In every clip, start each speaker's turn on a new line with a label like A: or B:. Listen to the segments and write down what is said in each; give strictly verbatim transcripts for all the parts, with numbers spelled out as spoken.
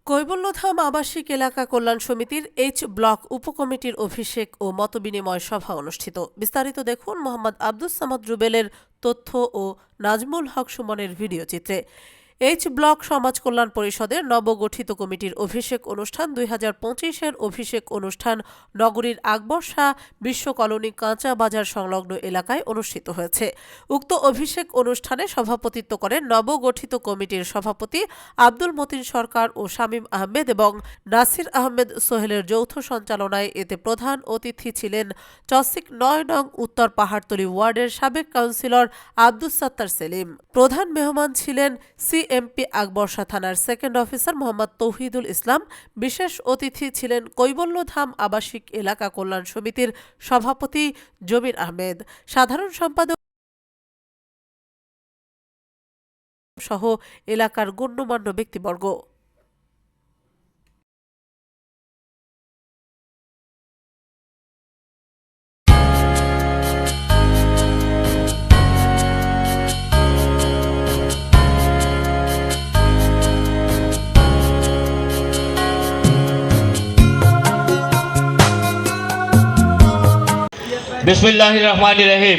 A: কৈবল্যধাম আবাসিক এলাকা কল্যাণ সমিতির এইচ ব্লক উপকমিটির অভিষেক ও মতবিনিময় সভা অনুষ্ঠিত। বিস্তারিত দেখুন মোহাম্মদ আব্দুস সামাদ রুবেলের তথ্য ও নাজমুল হক সুমনের ভিডিও চিত্রে। এইচ ব্লক সমাজ কল্যাণ পরিষদের নবগঠিত কমিটির অভিষেক অনুষ্ঠান দুই হাজার পঁচিশের অভিষেক অনুষ্ঠান নগরীর আকবর শাহ বিশ্ব কলোনি কাঁচা বাজার সংলগ্ন এলাকায় অনুষ্ঠিত হয়েছে। উক্ত অভিষেক অনুষ্ঠানে সভাপতিত্ব করেন নবগঠিত কমিটির সভাপতি আব্দুল মতিন সরকার ও শামীম আহমেদ এবং নাসির আহমেদ সোহেলের যৌথ সঞ্চালনায়। এতে প্রধান অতিথি ছিলেন চসিক নয় নং উত্তর পাহাড়তলী ওয়ার্ডের সাবেক কাউন্সিলর আব্দুস সাত্তার সেলিম। প্রধান মেহমান ছিলেন সি এমপি আকবর শাহ থানার সেকেন্ড অফিসার মোহাম্মদ তৌহিদুল ইসলাম। বিশেষ অতিথি ছিলেন কৈবল্যধাম আবাসিক এলাকা কল্যাণ সমিতির সভাপতি জমির আহমেদ, সাধারণ সম্পাদক সহ এলাকার গণ্যমান্য ব্যক্তিবর্গ।
B: বিসমিল্লাহির রহমানির রহিম।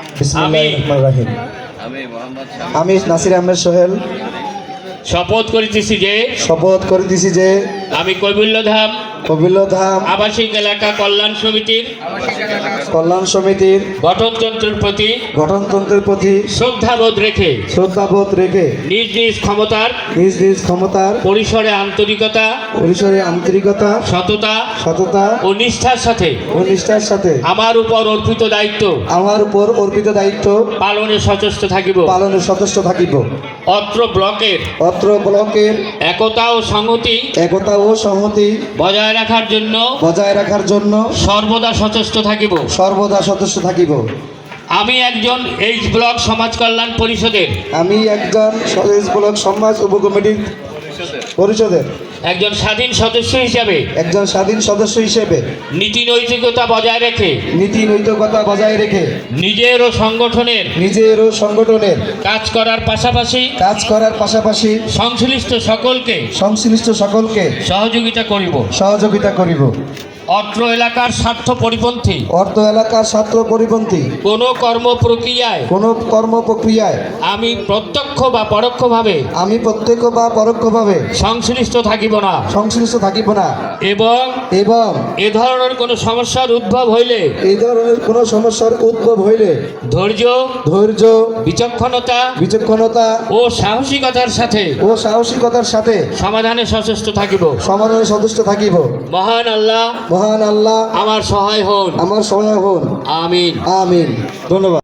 C: আমি নাসির আহমেদ সোহেল
B: শপথ করিতেছি যে
C: শপথ করিতেছি যে
B: আমি কৈবল্যধাম
C: কৈবল্যধাম
B: আবাসিক এলাকা কল্যাণ সমিতির
C: কল্যাণ সমিতির
B: গঠনতন্ত্রের প্রতি
C: গঠনতন্ত্রের প্রতি
B: শ্রদ্ধাবোধ রেখে
C: শ্রদ্ধাবোধ রেখে
B: নিজ নিজ ক্ষমতার
C: নিজ নিজ ক্ষমতার
B: পরিসরে আন্তরিকতা
C: পরিসরে আন্তরিকতা
B: সততা
C: সততা
B: ও নিষ্ঠার সাথে
C: ও নিষ্ঠার সাথে
B: আমার উপর অর্পিত দায়িত্ব
C: আমার উপর অর্পিত দায়িত্ব
B: পালনে সচেষ্ট থাকিব।
C: পালনে সচেষ্ট থাকিব।
B: অত্র ব্লকের
C: অত্র ব্লকের
B: একতা ও সংহতি
C: একতা ও সংহতি
B: বজায় রাখার জন্য
C: বজায় রাখার জন্য
B: সর্বদা সচেষ্ট থাকিব।
C: সর্বদা সচেষ্ট থাকিব।
B: আমি একজন এইচ ব্লক সমাজ কল্যাণ পরিষদের
C: আমি একজন সমাজ ব্লক সমাজ উপকমিটির পরিষদের
B: একজন স্বাধীন সদস্য হিসাবে
C: একজন স্বাধীন সদস্য হিসেবে
B: নীতি নৈতিকতা বজায় রেখে
C: নীতি নৈতিকতা বজায় রেখে
B: নিজের ও সংগঠনের
C: নিজের ও সংগঠনের
B: কাজ করার পাশাপাশি
C: কাজ করার পাশাপাশি
B: সংশ্লিষ্ট সকলকে
C: সংশ্লিষ্ট সকলকে
B: সহযোগিতা করিব
C: সহযোগিতা করিব।
B: অত্র এলাকার স্বার্থ পরিপন্থী
C: অর্থ এলাকার ছাত্র পরিপন্থী
B: কোনো কর্ম প্রক্রিয়ায়
C: কোন কর্ম প্রক্রিয়ায়
B: আমি প্রত্যক্ষ বা পরোক্ষভাবে
C: আমি প্রত্যক্ষ বা পরোক্ষভাবে
B: সংশ্লিষ্ট থাকিব না
C: সংশ্লিষ্ট থাকিব না
B: এবং
C: এবং
B: এ ধরনের কোনো সমস্যার উদ্ভব হইলে
C: এই ধরনের কোন সমস্যার উদ্ভব হইলে
B: ধৈর্য
C: ধৈর্য
B: বিচক্ষণতা
C: বিচক্ষণতা
B: ও সাহসিকতার সাথে
C: ও সাহসিকতার সাথে
B: সমাধানে সচেষ্ট থাকিব।
C: সমাধানে সচেষ্ট থাকিব।
B: মহান আল্লাহ
C: মহান আল্লাহ
B: আমার সহায় হন।
C: আমার সহায় হন।
B: আমিন
C: আমিন। ধন্যবাদ।